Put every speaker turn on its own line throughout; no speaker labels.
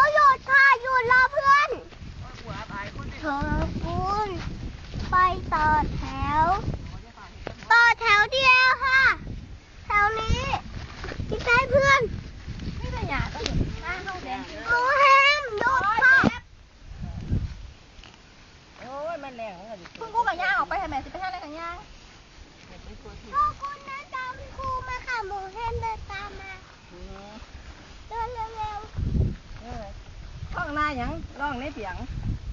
หยุดค่ะหยุดรอเพื่อนเธอคุณไปต่อแถวเดียวค่ะแถวนี้ที่ใกล้เพื่อนนี่เป็นอย่างก็อยู่หน้าห้องแดงหมูแฮมหยุดค่ะ
โอ้ยมันแรงเหรอ
คุณครูกับย่าออกไปทำไมสิไปทำอะไรกับย่าพ่อคุณนั่นตามครูมาค่ะหมูแฮมเดินตามมาเดินเร็ว
ห้องหน้ายังร้องในเสียง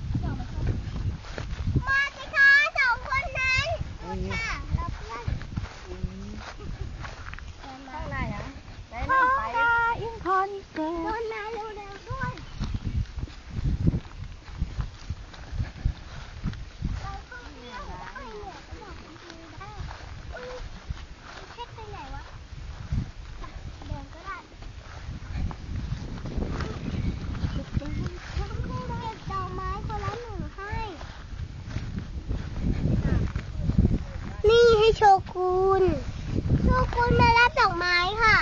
มาสิคะสองคนนั้นค่ะเราเพื่อน
ห้องหน้ายังไหน
พ่อ
น้ำไป
อินคอนเสิร์ตคนมาเร็วๆด้วยเราเพิ่งเที่ยวได้เนี่ยก็บอกคุณครูได้เช็คไปไหนวะเดินก็ได้เก็บดอกไม้คนละหนึ่งให้นี่ให้โชกุนมารับดอกไม้ค่ะ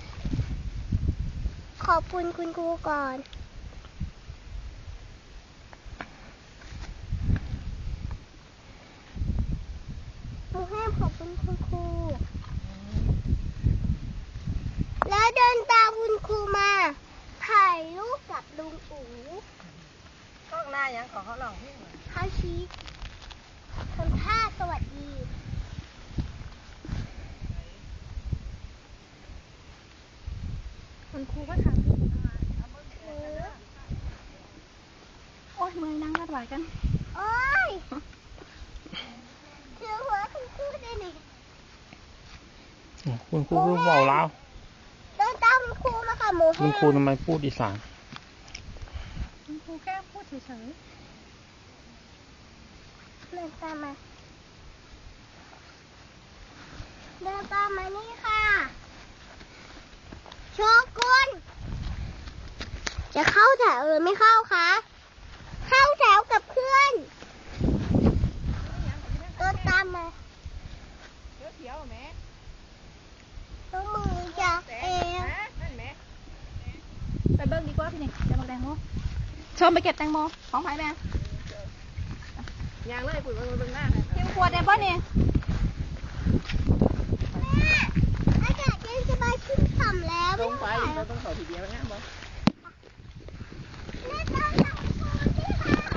ขอบคุณคุณครูก่อนหนูให้ขอบคุณคุณครูแล้วเดินตามคุณครูมาถ่ายรูปกับลุงอู๋
ห้องหน้ายังขอเขาลองพี่หน่อย
เขาชี้ทำท่าสวัสดีคุณครูก็ทำโอ้ยมือนั่งกัดไหวกันโอ้ยเชื่อหัวคุณครูได้หนิ
คุณครูพูดเบาแล้ว
เดินตามคุณครูมาค่ะหมูแห้ง
คุณครูทำไมพูดอีสาน
คุณครูแค่พูดเฉยๆเดินตามมานี่ค่ะโชกุนจะเข้าแถวหรือไม่เข้าคะเข้าแถวกับเพื่อนเดินตามมา
เขียวแม่
ต้องมือจากเอว
ไปเบิ้งดีกว่าพี่นี่จะมาแตงโมชมไปเก็บแตงโมของไผ่แม่ยางเลยปุ๋ยมาเบิ้งหน้าเที่ยงขวดได้ป่ะนี่
แม่อากาศเย็นสบายขึ้นฉ่ำแล้ว
ต้องไปเราต้องขอทีเดียวนะบอส